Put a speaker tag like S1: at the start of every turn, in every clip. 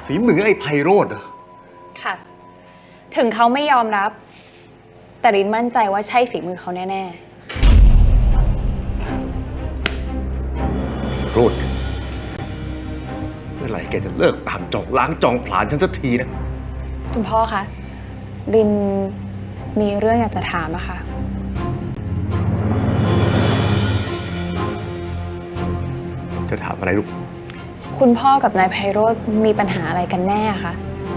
S1: ฝีมือไอ้ไพโรจน์เหรอ
S2: ค่ะถึงเขาไม่ยอมรับแต่รินมั่นใจว่าใช่ฝีมือเขาแน่
S1: โรจน์เมื่อไหร่แกจะเลิกตามจองล้างจองผลาญฉันสักทีนะ
S2: ๆคุณพ่อคะรินมีเรื่องอยากจะถามอะค่ะ
S1: จะถามอะไรลูก
S2: คุณพ่อกับนายไพโรจน์มีปัญหาอะไรกันแน่คะ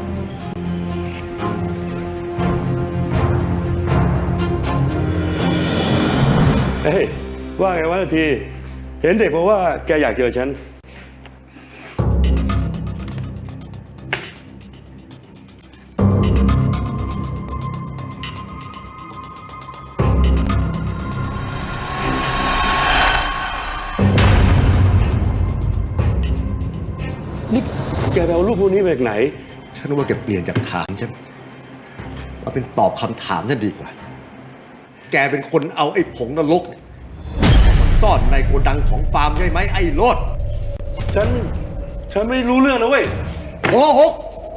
S3: เฮ้ยว่าไงวะทีเห็นเด็กบอกว่าแกอยากเจอฉันนี่แกไปเอารูปพวกนี้มาจากไหน
S1: ฉันว่าแกเปลี่ยนจากถามฉันมาเป็นตอบคำถามนั่นดีกว่าแกเป็นคนเอาไอ้ผงนรกเนี่ยมาซ่อนในโกดังของฟาร์มใช่ไหมไอ้โลด
S3: ฉันไม่รู้เรื่องนะเว้ย
S1: โกหก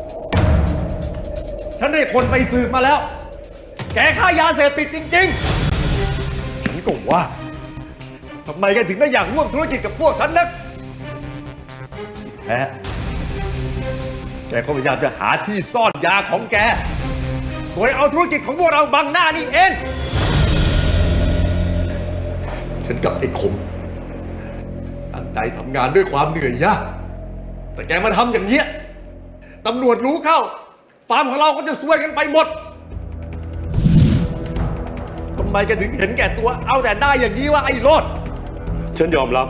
S1: ฉันได้คนไปสืบมาแล้วแกฆ่ายาเสพติดจริงๆฉันก็ว่าทำไมแกถึงได้อยากร่วมธุรกิจกับพวกฉันนักแท้แกก็พยายามจะหาที่ซ่อนยาของแกโดยเอาธุรกิจของพวกเราบังหน้านี่เองฉันกับไอ้คมตั้งใจทำงานด้วยความเหนื่อยยากแต่แกมาทำอย่างเนี้ยตำรวจรู้เข้าฟาร์มของเราก็จะซวยกันไปหมดทำไมแกถึงเห็นแก่ตัวเอาแต่ได้อย่างนี้วะไอ้โลด
S3: ฉันยอมรับ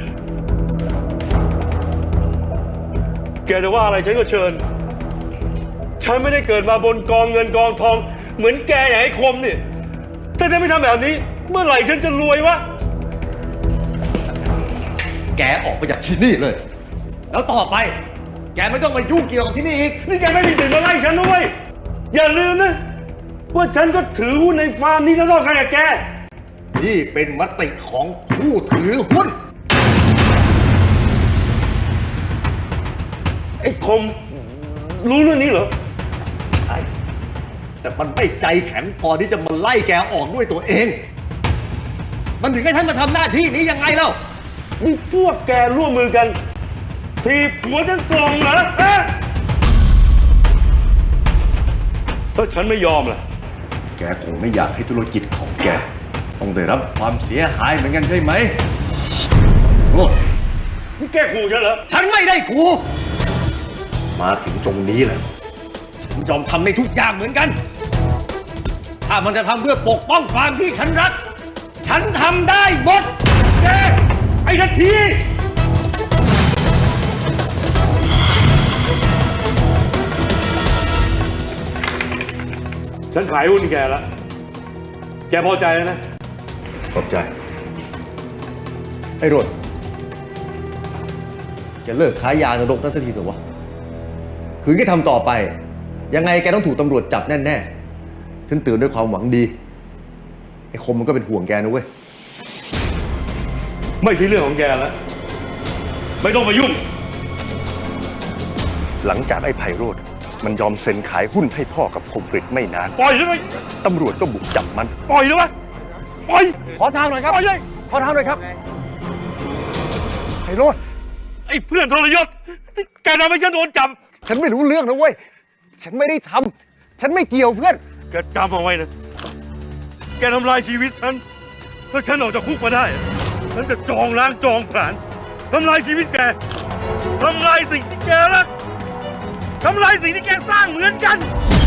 S3: แกจะว่าอะไรฉันก็เชิญฉันไม่ได้เกิดมาบนกองเงินกองทองเหมือนแกอย่างไอ้คมนี่ถ้าฉันไม่ทำแบบนี้เมื่อไหร่ฉันจะรวยวะ
S1: แกออกไปจากที่นี่เลยแล้วต่อไปแกไม่ต้องมายุ่งเกี่ยวกับที่นี่อีก
S3: นี่แกไม่มีสิทธิ์มาไล่ฉันด้วยอย่าลืมนะว่าฉันก็ถือหุ้นในฟาร์มนี้เท่ากันกับแก
S1: นี่เป็นมติของผู้ถือหุ้น
S3: ไอ้คมรู้เรื่องนี้เหรอ
S1: ใช่แต่มันไม่ใจแข็งพอที่จะมาไล่แกออกด้วยตัวเองมันถึงให้ท่านมาทำหน้าที่นี้ยังไงเล่า
S3: นี่พวกแกร่วมมือกันทีผัวฉันส่งเหรอถ้าฉันไม่ยอมล่ะ
S1: แกคงไม่อยากให้ธุรกิจของแกต้องได้รับความเสียหายเหมือนกันใช่ไหมโอ้
S3: นี่แกขู่ฉันเหรอ
S1: ฉันไม่ได้ขู่มาถึงตรงนี้แล้วฉันยอมทำในทุกอย่างเหมือนกันถ้ามันจะทำเพื่อปกป้องฟาร์มที่ฉันรักฉันทำได้หมด
S3: แกไอ้นาทีฉันขายหุ้นแกแล้วแกพอใจแล้วนะ
S1: พอใจไอ้โรดแกเลิกขายยานรกนั่นสักทีเถอะวะคืนแกทำต่อไปยังไงแกต้องถูกตำรวจจับแน่ๆฉันเตือนด้วยความหวังดีไอ้คมมันก็เป็นห่วงแกนะเว้ย
S3: ไม่ใช่เรื่องของแกแล้วไม่ต้องมายุ่ง
S1: หลังจากไอ้ไพโรจน์มันยอมเซ็นขายหุ้นให้พ่อกับคมกฤษไม่นาน
S3: ปล่อยใช่ไหม
S1: ตำรวจก็บุกจับมัน
S3: ปล่อยเลยไหมปล่อย
S1: ขอทางหน่อยครับ
S3: ปล่อยเลย
S1: ขอทางหน่อยครับไพโรจน์
S3: ไอ้เพื่อนทรยศแกทำให้ฉันโดนจับ
S1: ฉันไม่รู้เรื่องนะเว้ยฉันไม่ได้ทำฉันไม่เกี่ยวเพื่อน
S3: แกจำเอาไว้นะแกทำลายชีวิตฉันถ้าฉันออกจากคุกมาได้ฉันจะจองล้างจองผลาญทำลายชีวิตแกทำลายสิ่งที่แกรักทำลายสิ่งที่แกสร้างเหมือนกัน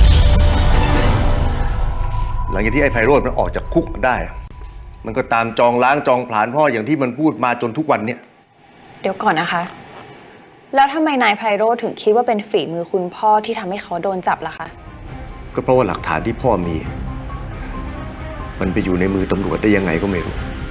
S1: หลังจากที่ไอ้ไพโรจน์มันออกจากคุกมาได้มันก็ตามจองล้างจองผลาญพ่ออย่างที่มันพูดมาจนทุกวันเนี้ย
S2: เดี๋ยวก่อนนะคะแล้วทำไมนายไพโรจน์ถึงคิดว่าเป็นฝีมือคุณพ่อที่ทำให้เขาโดนจับล่ะคะ
S1: ก็เพราะว่าหลักฐานที่พ่อมีมันไปอยู่ในมือตำรวจได้ยังไงก็ไม่รู้